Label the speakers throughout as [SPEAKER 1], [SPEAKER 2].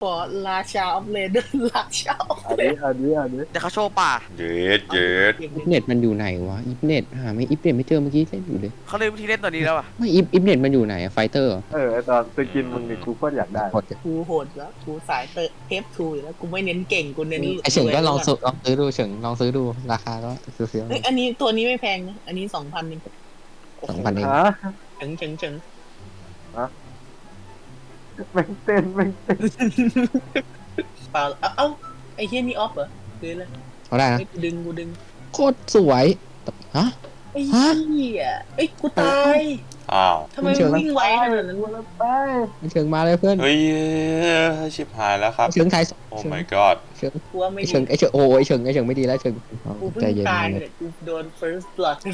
[SPEAKER 1] ปอราชาออฟเลนราชาออฟเลน
[SPEAKER 2] เดี๋ยวเขาโชว์ป่า
[SPEAKER 3] เย็ดเย็ด
[SPEAKER 4] อิฟเน็ตมันอยู่ไหนวะอิฟเน็ตหาไม่อิฟเน็ตไม่เจอเมื่อกี้เล่นอยู่เลย
[SPEAKER 2] เขาเลยวิธีเล่นตัวนี้แล้วอ่ะ
[SPEAKER 4] ไม่อิฟเน็ตมันอยู่ไหนอะไฟเตอร์
[SPEAKER 5] ไอตอนสกินมึงนี่กูก็อยากได้
[SPEAKER 4] หมด
[SPEAKER 1] กูโหดแล้วกูสายเทปทูอยู่แล้วกูไม่เน้นเก่งกูเน้น
[SPEAKER 4] ไอเฉิงก็ลองซื้อดูเฉิงลองซื้อดูราคาก็ซื้อ
[SPEAKER 1] เฮ้ยอันนี้ตัวนี้ไม่แพงนะอันนี้2,000เอง
[SPEAKER 4] 2,000 เอง
[SPEAKER 5] ฮะ
[SPEAKER 1] เฉิง
[SPEAKER 5] แม่งเต้น
[SPEAKER 1] เปล่าเอ้าไอ้เฮียนี่ออฟเหรอคืออะไร
[SPEAKER 4] เอาได้นะ
[SPEAKER 1] กูดึง
[SPEAKER 4] โคตรสวยฮะ
[SPEAKER 1] ไอ้เหี้ยเอ้ยกูตาย
[SPEAKER 3] อ้าว
[SPEAKER 1] ทำไมมึงวิ่งไวขนาดนั้นวะ
[SPEAKER 5] ไป
[SPEAKER 4] เฉิงมาเลยเพื่อน
[SPEAKER 3] เฮ้ยชิบหายแล้วครับ
[SPEAKER 4] เฉิงไทย
[SPEAKER 3] โอ้ my god
[SPEAKER 4] เฉิง
[SPEAKER 1] กูว่าไม่
[SPEAKER 4] ไอเฉิงไอเฉิงโอ้ยเฉิงไม่ดีแล้วเฉิง
[SPEAKER 1] กูเพิ่
[SPEAKER 4] ใจ
[SPEAKER 1] ง
[SPEAKER 4] เย็น
[SPEAKER 1] ตายเลยกูโดน first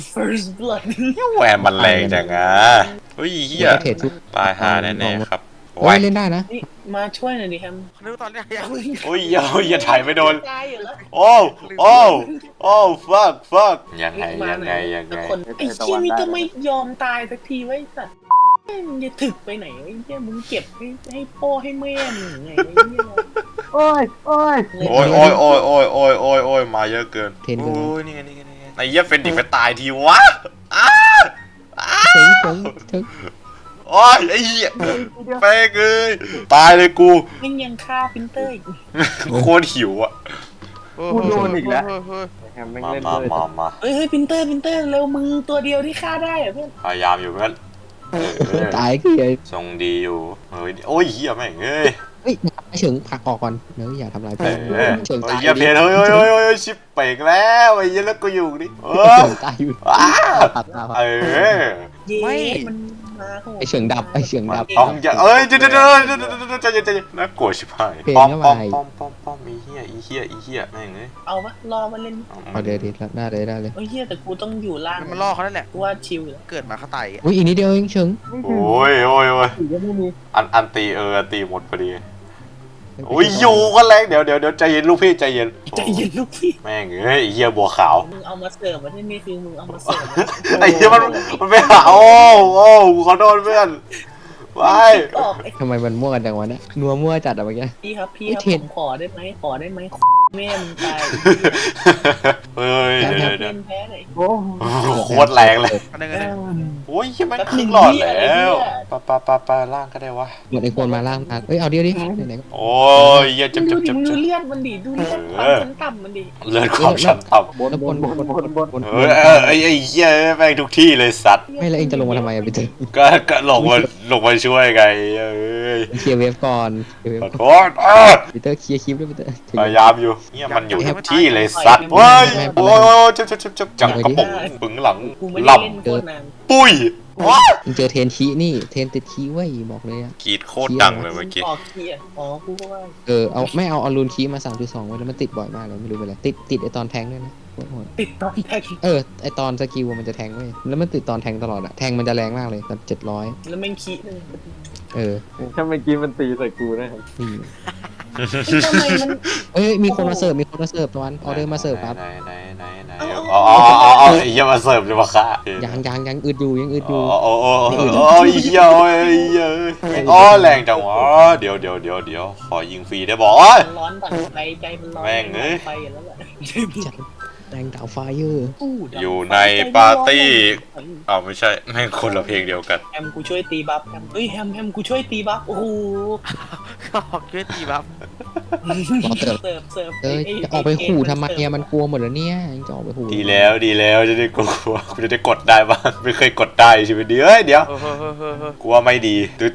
[SPEAKER 1] blood
[SPEAKER 3] แหวนมันแรงจังอ่ะเฮ้ยเฮีย
[SPEAKER 4] เทรดทุก
[SPEAKER 3] ตายหาแน่ๆครับ
[SPEAKER 4] โอ้ยเล่นได้นะ
[SPEAKER 1] นี่มาช่วยหน่อยดิแฮม
[SPEAKER 2] เขาเรียกว่าตอนเนี้ยยัง
[SPEAKER 3] โอ้ยอย่าถ่ายไม่โดน
[SPEAKER 1] ตายอยู่แล้ว
[SPEAKER 3] โอ้ fuck ยังไง
[SPEAKER 1] คนไอ้เชี่ยนี่ก็ไม่ยอมตายสักทีไว้สัตว์มึงจะถึกไปไหนไอ้เชี่ยมึงเก็บให้พ่อให้แม่มึงไงไอ้เหี้ย
[SPEAKER 5] โอ้ย
[SPEAKER 3] โอ้ยมาเยอะเกินโอ้ยนี่ไงไอ้เหี้ยเฟนดิกไปตายทีวะ
[SPEAKER 4] เฉิง
[SPEAKER 3] โอ้ยไอ้เหี้ยแป้งเลยตายเลยกู
[SPEAKER 1] มึงยังฆ่าพินเตอร์อีก
[SPEAKER 3] โคตรหิวอ่ะ
[SPEAKER 5] กูโดนอีกแล้ว
[SPEAKER 2] เฮ้ย
[SPEAKER 5] แฮมแม่ง
[SPEAKER 3] มา
[SPEAKER 5] เล่น
[SPEAKER 3] มา
[SPEAKER 5] เลย
[SPEAKER 3] มา
[SPEAKER 1] เฮ้ยพินเตอร์เร็วมึงตัวเดียวที่ฆ่าได้อะเพื่อน
[SPEAKER 3] พยายามอยู่เพื่อน
[SPEAKER 4] ตายคือ
[SPEAKER 3] ทรงดีอยู่เฮ้ยโอ้ยเหี้ยแม่งเอ้ย
[SPEAKER 4] เฮ้ยไอเฉิงผลักออกก่อนเนื้ออย่าทำลาย
[SPEAKER 3] เอ
[SPEAKER 4] เพื่อน
[SPEAKER 3] อ
[SPEAKER 4] เฉิง
[SPEAKER 3] ไอ้
[SPEAKER 4] ตาย
[SPEAKER 3] เหี้ยเพลเฮ้ยชิบเป่งแล้วไอ้เหี้ยแล้วกูอยู่นี่เออ
[SPEAKER 4] เฉิงตายอยู่ตัดตา
[SPEAKER 3] เออ
[SPEAKER 1] เย้มันมาโหด
[SPEAKER 4] ไอเฉิงดับ
[SPEAKER 3] ต้องอย่าเอ้ยใจเย็นน่ากลัวชิบหายป้อมอีเหี้ยแม่งเอ้ย
[SPEAKER 1] เอาปะรอมาเล่น
[SPEAKER 4] เอาเดี๋ยวแล้วได้เลย
[SPEAKER 1] โอ้ยเฮียแต่กูต้องอยู่ล่าง
[SPEAKER 2] มันล่อเขานั่นแหละ
[SPEAKER 1] กูว่าชิลอยู่แล้ว
[SPEAKER 2] เกิดมาเขาตายอ่ะ
[SPEAKER 4] อุ้ยอีกนิดเดียวเองเฉิง
[SPEAKER 3] โอ้ย
[SPEAKER 5] สีก็ไม่มี
[SPEAKER 3] อันตีหมดพอดีโอ้ยอยู่ก็แรงเดี๋ยวใจเย็นลูกพี่ใจเย็น
[SPEAKER 1] ใจเย็นลูกพี่
[SPEAKER 3] แม่งเอ้ยเหี้ยบัวขาว
[SPEAKER 1] มึงเอามาเสิร์ฟมาที่นี่คือมึงเอามาเสิร์ฟ
[SPEAKER 3] ไอ้เหี้ยมันไม่หาโอ้ขอโทษเพื่อนไป
[SPEAKER 1] ออกไอ้
[SPEAKER 4] ทำไมมันมั่วกันจังวะเนี่ยนัวมั่วจัดอะเมื่อกี้
[SPEAKER 1] พี่ครับ
[SPEAKER 4] ไอ้เทรด
[SPEAKER 1] ผมขอได้ไหมแม่มึงตาย
[SPEAKER 3] เฮ้ย
[SPEAKER 1] เล่
[SPEAKER 3] เดี๋ยวน
[SPEAKER 1] แพ้เลย
[SPEAKER 5] โอ้
[SPEAKER 3] โคตรแรงเลย
[SPEAKER 2] อันนึงอันนึง
[SPEAKER 3] โอ้ยยังไม่ครึ่งหลอดแล้วปะล่างก็ได้วะ
[SPEAKER 4] หมดไอโคนมาล่างเอ้ยเอาเดียวดิไหน
[SPEAKER 3] โอ้ยเหี้ย
[SPEAKER 1] มึงดูดิมึงดู
[SPEAKER 3] บ
[SPEAKER 1] เลือดมันดิดูเลือดความชั้นต่ำมันดิ
[SPEAKER 3] เลือดความชั้นต่
[SPEAKER 5] บน
[SPEAKER 3] ำเฮ้ยไอ้เหี้ยแม่งทุกที่เลยสัตว์
[SPEAKER 4] ไม่แล้วเองจะลงมาทำไมอะไปเจอ
[SPEAKER 3] ก็ลงมาช่วยไงเอ้ย
[SPEAKER 4] เคลียร์เวฟก่อนเคลียร์เวฟ
[SPEAKER 3] ขอ
[SPEAKER 4] ก่อน
[SPEAKER 3] โทษ
[SPEAKER 4] ปีเตอร์เคลียร์คลิปด้วยปีเตอร์
[SPEAKER 3] พยายามอยู่เนี่ยมันอยู่ทุกที่เลยสัตว์เฮ้ยโอ้ยจับจังกระป๋องปึงหลัง
[SPEAKER 1] กูไม่ได้
[SPEAKER 3] ล
[SPEAKER 1] เล่นโคตรนาน
[SPEAKER 3] ำปุ้ยว้า
[SPEAKER 4] มึงเจอเทนคีนี่เทนติดคีไว้บอกเลยอะ
[SPEAKER 3] กรีดโคตรดังเลยเมื่อกี้
[SPEAKER 1] ออกเกียร์อ๋อกูก็ว่า
[SPEAKER 4] เอาไม่เอารูนคีมา 3.2ไว้แล้วมันติดบ่อยมากเลยไม่รู้เป็นไรติดไอตอนแทงด้วยนะโคตรโหด
[SPEAKER 1] ติดตอนแท็ก
[SPEAKER 4] ไอตอนสกิลมันจะแทงเว้ยแล้วมันติดตอนแทงตลอดอะแทงมันจะแรงมากเลยตอน700
[SPEAKER 1] แล้วแม่งขี้นึง
[SPEAKER 5] ถ้าเมื่อกี้มันตีใส่กูนะครับ
[SPEAKER 4] นี่
[SPEAKER 1] ทำไมมัน
[SPEAKER 4] มีคนมาเสิร์ฟตะวันออเดอร์มาเสิร์ฟครับ
[SPEAKER 3] ไหนอ๋อไอ้เหี้ยมาเสิร์ฟเลยมาค่ะ
[SPEAKER 4] ยังอึดอยู่
[SPEAKER 3] โอ้ยเหี้ยโอ้ยอ๋อแรงจังวะเดี๋ยวขอยิงฟรีได้บอก
[SPEAKER 1] ร้อนต่างใจมันร้อน
[SPEAKER 3] แม่งเอ้ย
[SPEAKER 1] ไปแล้วแหละ
[SPEAKER 4] จัดแรงดาวไฟเยอร์
[SPEAKER 3] อยู่ในปาร์ตี้อ้าวไม่ใช่แม่งคนละเพลงเดียวกัน
[SPEAKER 1] แฮมกูช่วยตีบัฟแฮมเฮ้ยแฮมกูช่วยตีบัฟโอ้โห
[SPEAKER 2] เขาออกช่วยตีบัฟ
[SPEAKER 1] เสิร์ฟ
[SPEAKER 4] จะออกไปขู่ทำไมเนี่ยมันกลัวหมดแล้วเนี่ยยังจะออกไปขู่
[SPEAKER 3] ดีแล้วจะได้กลัวกูจะได้กดได้บ้างไม่เคยกดได้ชีวิตนี้เฮ้ยเดี๋ยว
[SPEAKER 2] เฮ้ย
[SPEAKER 3] กลัวไม่ดีดืด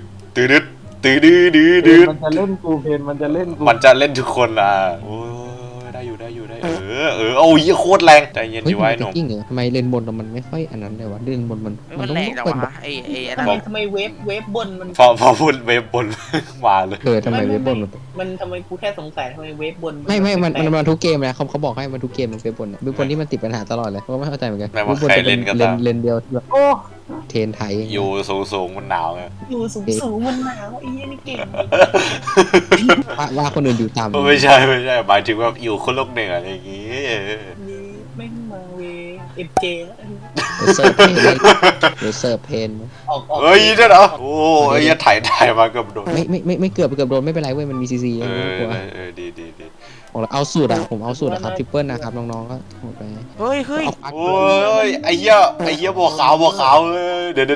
[SPEAKER 5] มันจะเล่นกูเพนมันจะเล่นกู
[SPEAKER 3] มันจะเล่นทุกคนอ่ะโอ้ยได้อยู่โอ้ยโคตรแรงใจเย็น
[SPEAKER 4] เฮ้ย
[SPEAKER 3] ดีไว้หนุ่ม
[SPEAKER 4] จริงเหรอทำไมเลนบนมันไม่ค่อยอันนั้นเลยวะเลนบนมัน
[SPEAKER 2] มัน
[SPEAKER 4] ต้อง
[SPEAKER 2] แรงจัง
[SPEAKER 4] เปิด
[SPEAKER 2] วะไอ้อันนั้น
[SPEAKER 1] ทำไมเวฟบนมัน
[SPEAKER 3] พอพูดเว็บบนมาเลย
[SPEAKER 4] ทำไมเว็บบน
[SPEAKER 1] มันทำไมกูแค่สงสัยทำไมเวฟบน
[SPEAKER 4] ไม่มันทุกเกมนะเขาบอกให้มันทุกเกมมันเว็บบนเว็บบนที่มันติดปัญหาตลอดเลยเพราะไม่เข้าใจเหมือนกัน
[SPEAKER 3] แม้ว่าใครเล่นก็ตาม
[SPEAKER 4] เลนเดียวที่แบบ
[SPEAKER 5] โอ้
[SPEAKER 4] เทนไทย
[SPEAKER 3] อยู่สูงมันหนาวไง
[SPEAKER 1] อยู่สูงมันหนาวไอ้เหี้ยนี่เก่ง
[SPEAKER 4] ว่าคนอื่นอยู่ต่ำ
[SPEAKER 3] ไม่ใช่หมายถึงว่าอยู่คนโลกเหนืออะไรอย่างงี้
[SPEAKER 1] นี่แม่งมาเวเอฟเจแล้ว
[SPEAKER 4] เสิร์ฟเพนเดี๋ยวเสิร์ฟเพน
[SPEAKER 1] ออก
[SPEAKER 3] เฮ้ยนั่นเหรอโอ้ยอย่าถ่ายมาเกับโดน
[SPEAKER 4] ไม่เกือบโดนไม่เป็นไรเว้ยมันมีซีซี
[SPEAKER 3] เอ
[SPEAKER 4] ไม่ต้องกลัว
[SPEAKER 3] อดี
[SPEAKER 4] เอาสูตรอะผมเอาสูตรอะครับทริปเปิลนะครับน้องๆก็หมดไป
[SPEAKER 2] เฮ้ยเฮ้ย
[SPEAKER 4] เอาปัก
[SPEAKER 3] โอ้ยไอ้เหี้ยบัวขาวเดี๋ยว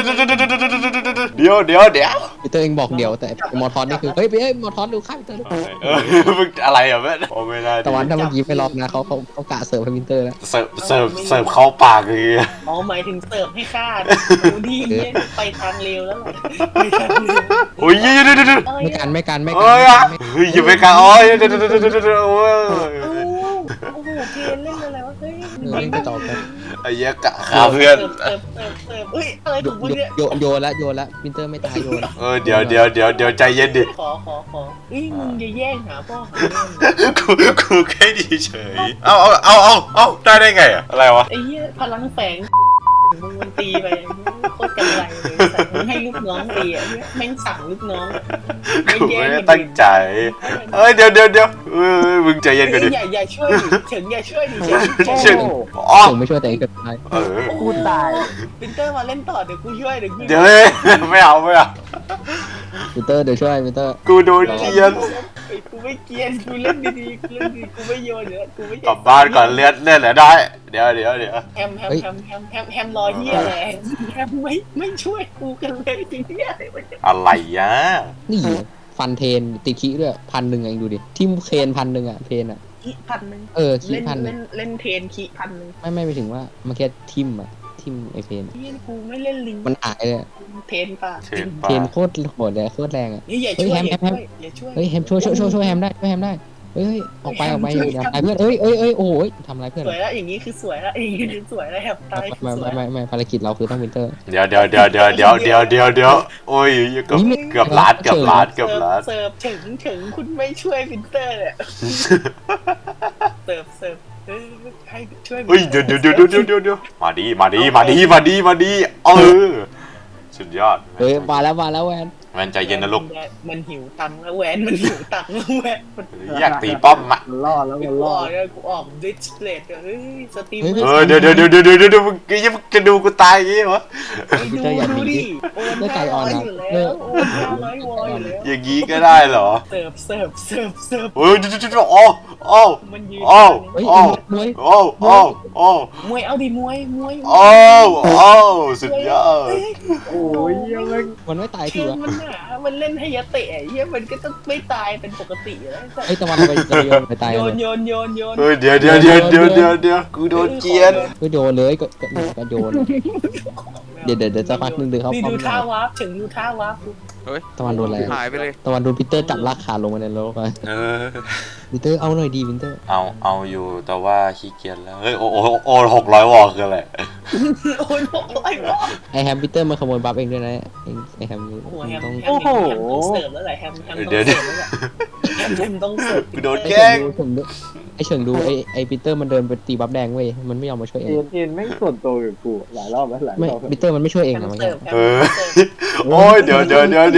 [SPEAKER 4] พีเตอร์เองบอกเดี๋ยวแต่มอทอนนี่คือเฮ้ยมอทอนดูข้ามพีเตอร์
[SPEAKER 3] มึงอะไรอ่ะแม่โอ้ไม่ได้
[SPEAKER 4] ตะวันถ้าเมื่อกี้ไม่รอบนะเขากะเสิร์ฟให้พีเตอร์แล้ว
[SPEAKER 3] เสิร์ฟเข้าปากเลย
[SPEAKER 1] อ๋อหมายถึงเสิร์ฟให้ข้าดูดีเนี่ยไปทางเร็วแล้วไปทางเร็ว
[SPEAKER 3] โอ้ยเดี๋ยว
[SPEAKER 4] ไม่กัน
[SPEAKER 3] โอ้ยอย่าไปกันโอ้ยเดี๋ยวโอ้ย
[SPEAKER 1] โอ้โหเพนเล่นอะไรวะเฮ้ย
[SPEAKER 4] เล่นกระจอกกัน
[SPEAKER 3] ไอ้เหี้ยกะขาเพื่อน
[SPEAKER 1] เสิร์ฟเฮ้ยอะไรของมึงเนี่ย
[SPEAKER 4] โยนละพีเตอร์ไม่ตายโยน
[SPEAKER 3] เดี๋ยวใจเย็นดิ
[SPEAKER 1] ขอเฮ้ยมึงอย่าแย่งหาพ่อหาแม่
[SPEAKER 3] กูแค่ดีเฉยเอาได้ไงอะอะไรวะ
[SPEAKER 1] ไอ้เหี้ยพลังแฝงมึงมันตีไปโคตรกำไรเลยสั่งให้ลูกน้องตีอ่ะแม่งสั่งลูกน้อง
[SPEAKER 3] กูไม่ได้ตั้งใจเดี๋ยวมึงใจเย็นกันดิ
[SPEAKER 1] อย่าช่วยดิเฉิงอย่าช่วยดิเฉิ
[SPEAKER 3] เช่น
[SPEAKER 1] ง
[SPEAKER 3] อ๋อ
[SPEAKER 4] ผมไม่ช่วยแต่เองก็ตาย
[SPEAKER 5] กูตาย
[SPEAKER 1] ปินเตอร์มาเล่นต่อเดี๋ยวกูช่วย
[SPEAKER 3] เดี๋ยวไม่เอา
[SPEAKER 4] พีเตอร์เดี๋ยวช่วยพีเตอร์
[SPEAKER 3] กูโดนเกียน
[SPEAKER 1] กูไม่เกียนกูเล่นดีๆกูไม่โยนเยอะกูไม่
[SPEAKER 3] กลับบ้านก่อนเล่นแหละได้เดี๋ยว
[SPEAKER 1] แฮมรอเฮียแหละแฮมไม่ช่วยกูกันเลยจริงเนี่ย
[SPEAKER 3] อะไรยะ
[SPEAKER 4] นี่ฟันเทนติคิด้วย1,000เองดูดิทิมเคน1,000อะเพนอะ
[SPEAKER 1] คิ1,000
[SPEAKER 4] คิ1,000
[SPEAKER 1] เล่นเทนคิ1,000
[SPEAKER 4] ไม่ไปถึงว่ามันแค่ทิมไอเพน
[SPEAKER 1] เฮียกูไม่เล่นลิง
[SPEAKER 4] มันหายเลย
[SPEAKER 1] เทนป่ะ
[SPEAKER 4] เทนโคตรโหดเลยโคตรแรงอะ
[SPEAKER 1] นี่อย่าช่วยอย่าช่วย
[SPEAKER 4] เฮ้ยแฮมช่วยแฮมได้เฮ้ยออกไปอย่าไปเพื่อนเอ้ยโอ้ยทำอะไรเพื่อน
[SPEAKER 1] สวยแล้วอย่างนี้คือสวยแล้วอย่างนี้คือสวยแล้วแฮมตาย
[SPEAKER 4] ไม่ภารกิจเราคือต้องวินเตอร์
[SPEAKER 3] เดี๋ยวโอ้ยเกือบล้าน
[SPEAKER 1] เสิร์ฟถึงคุณไม่ช่วยวินเตอร์เนี่ยเสิร์ฟให้ช่วย
[SPEAKER 3] เฮ้ยเดี๋ยวมาดีสุดยอด
[SPEAKER 4] เฮ้ยมาแล้วแวน
[SPEAKER 3] แมนใจเย็นนะลูก
[SPEAKER 1] มันหิวตังค์แล้วแหวนมันหิวตังค์แล้วแหวน
[SPEAKER 3] อยากตีป้อมอ่ะ
[SPEAKER 5] มันรอดแล้วมันรอด
[SPEAKER 1] กูออกดิสเพลย์เฮ้ยสตรีม
[SPEAKER 3] เดี๋ยวมึงจะดูกูตายอย่างงี้เหรอ
[SPEAKER 1] ดูดิโอนอยู่แล้วโอน500 วอยอยู่แล้ว
[SPEAKER 3] อย่างงี้ก็ได้เหรอ
[SPEAKER 1] เสิร์ฟ
[SPEAKER 3] เฮ้ยโอ้
[SPEAKER 1] มันยืน
[SPEAKER 4] เฮ้ยมวย
[SPEAKER 3] โอ้
[SPEAKER 1] มวยเอาดิมวย
[SPEAKER 3] สุดยอด
[SPEAKER 5] โอ้ยยังไง
[SPEAKER 4] มันไม่ตายที
[SPEAKER 1] เชื่อ
[SPEAKER 4] วะ
[SPEAKER 1] มันหนามันเล่นให้ยะเตะเฮียมันก็ต้องไม่ตายเป็นปกติอยู่แล้ว
[SPEAKER 4] ไอ้ตะวันไปโยนไปตาย
[SPEAKER 1] โย
[SPEAKER 4] เลย
[SPEAKER 1] น
[SPEAKER 3] เฮ้ยเดี๋ยวกูโดนเกียน
[SPEAKER 4] ก็โยนเลยก็โยนเดี๋ยวจะพักนึงเดี๋ยวเขา
[SPEAKER 1] นี่ดูท่าวาร์ปถึงดูท่าวาร์ป
[SPEAKER 2] เฮ้ย
[SPEAKER 4] ตะวันโดนอะไร
[SPEAKER 2] หายไปเลย
[SPEAKER 4] ตะวันโดนพีเตอร์จับลากขาลงมาในโลกไปพีเตอร์เอาหน่อยดีพีเตอร์
[SPEAKER 3] เอาอยู่แต่ว่าขี้เกียจแล้วเฮ้ยโอ้600 วอลคืออะไร
[SPEAKER 1] โอน600 วอ
[SPEAKER 4] ไอแฮมพีเตอร์มาขโมยบัฟเองด้วยนะไอแฮม
[SPEAKER 1] โอ้โหแฮม
[SPEAKER 4] ต้อง
[SPEAKER 1] ต้องเสิร์ฟแล้วแหละแฮมต้องเสิร์ฟแล้วแหละแฮมต้องเสิร์ฟ
[SPEAKER 3] กูโดนแกล้ง
[SPEAKER 4] ไอเฉิงดูไอพีเตอร์มันเดินไปตีบัฟแดงเว้ยมันไม่ยอมมาช่วยเอง
[SPEAKER 5] เอ็นแม่งส่วนตัวกับกูหลายรอบแล้วหลาย
[SPEAKER 4] ไม่
[SPEAKER 5] รอบ
[SPEAKER 4] พีเตอร์มันไม่ช่วยเอง
[SPEAKER 1] แฮ
[SPEAKER 4] นะ
[SPEAKER 1] ม
[SPEAKER 4] มัน
[SPEAKER 1] เสิร์ฟ
[SPEAKER 3] โอ้ยเดี๋ยว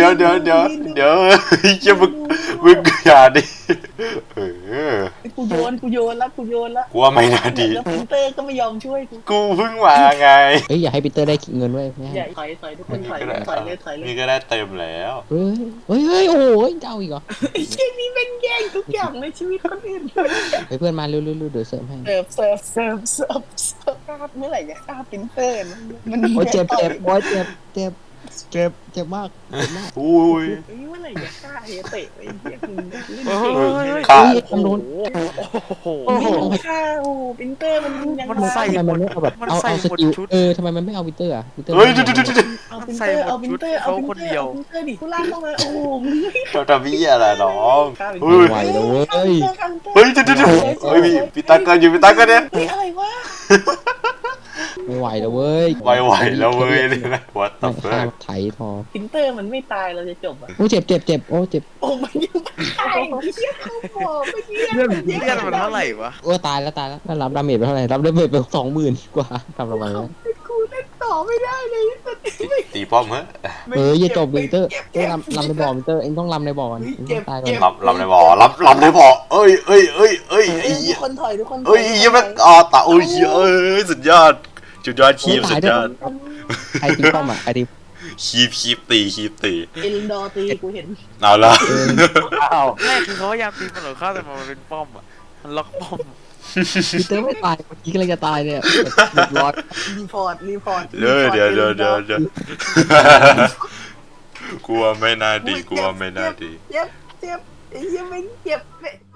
[SPEAKER 3] จะมึงอย่าดิ
[SPEAKER 1] กูโยนแล้ว
[SPEAKER 3] กูว่าไม่น่าดี
[SPEAKER 1] แล้วพินเตอร์ก็ไม่ยอมช่วยกู
[SPEAKER 3] กูเพิ่งมาไง
[SPEAKER 4] เฮ้ยอย่าให้พีเตอร์ได้เงินเว้ยไม่ให้
[SPEAKER 1] อย่าถอยทุกคนถอยเลย
[SPEAKER 3] นี่ก็ได้เต็มแล้ว
[SPEAKER 4] เฮ้ยโอ้โหจะเอาอีกเหรอ
[SPEAKER 1] ไอ้เชี่ยนี่เป็นแย่งทุกอย่างในชีวิตคนอื่น
[SPEAKER 4] เฮ้ยเพื่อนมาเร็วเดี๋ยวเสริมให้
[SPEAKER 1] เสิร์ฟเมื่อไหร่จะฆ่าพินเตอร์มัน
[SPEAKER 4] โอ้ยเจ็บโอ้ยเจ็บมาก
[SPEAKER 3] อุ้ย
[SPEAKER 1] เมื่อไหร่จะฆ่าเฮเตะไอ้เหี้ยมึงเล่น
[SPEAKER 3] ฆ่า
[SPEAKER 4] เฮ้ยทำโดน
[SPEAKER 2] โอ้โห
[SPEAKER 1] ไม่ฆ่าโอ้พินเตอร์มันยัง
[SPEAKER 2] มันใส่
[SPEAKER 4] ทำไมมันไม่เอาแบบเอาสกิลทำไมมันไม่เอาพีเตอร์อ่ะพีเตอร์
[SPEAKER 3] เฮ้ย
[SPEAKER 1] เอาพินเตอร์ดิกูลากเข้ามาโอ้โห
[SPEAKER 3] เราทำพี่อะไรน้อง
[SPEAKER 4] ไม่ไหวแล้วเว้ย
[SPEAKER 3] เฮ้ยพี่ตาเกินอยู่พี่ตาเกินเนี่ย
[SPEAKER 1] เฮ้ยอะไรวะ
[SPEAKER 4] ไม่ไหวแล้วเว้ย
[SPEAKER 3] ไหวแล้วเว้ยเลยนะ What the
[SPEAKER 4] ข้าม
[SPEAKER 3] fuck
[SPEAKER 4] ไถทอ
[SPEAKER 1] พินเตอร์มันไม่ตายเราจะจบอ่ะ
[SPEAKER 4] โอ้เจ็บโอ้เจ็บ
[SPEAKER 1] โอ้มันยังตายเหี้ยเขาบอกไม่เหี้ย
[SPEAKER 2] เลือดมันเท่าไหร่วะ
[SPEAKER 4] โอ้ตายแล้วแล้วรับดาเมจไปเท่าไหร่รับดาเมจไป20,000 กว่าทำลงไปแล้ว
[SPEAKER 1] กูเล่นต่อไม่ได้เลย
[SPEAKER 3] ตีป้อมเหรอ
[SPEAKER 4] อย่าจบพีเตอร์ลำในบ่อพีเตอร์เองต้องลำในบ่อกันตายก่อน
[SPEAKER 3] ลำในบ่อลำในบ่อเอ้ยไอ้
[SPEAKER 1] ทุ
[SPEAKER 3] เหี้ย
[SPEAKER 1] กคนถอย
[SPEAKER 3] เอ้ยยังไม่ตาโอ้ยสุดยอดจุดยอดคีบสุดยอด
[SPEAKER 4] ใครตีป้อมอ่ะใครตี
[SPEAKER 3] คีบตี
[SPEAKER 1] เอลินดอร์ตีกูเห็น
[SPEAKER 3] เอาละ
[SPEAKER 5] อ้าว
[SPEAKER 2] ไม่คือเขาพยายามตีมันหรอข้าแต่มันเป็นป้อมอ่ะมันล็อกป้อม
[SPEAKER 4] พีเตอร์ไม่ตายเมื่อกี้กำลังจะตายเนี่ยเรียบร้อย
[SPEAKER 1] รีพอร์ต
[SPEAKER 3] เดี๋ยวกลัวไม่น่าดี
[SPEAKER 1] เจ็บไอ้เหี้ยไม่งเจ็บ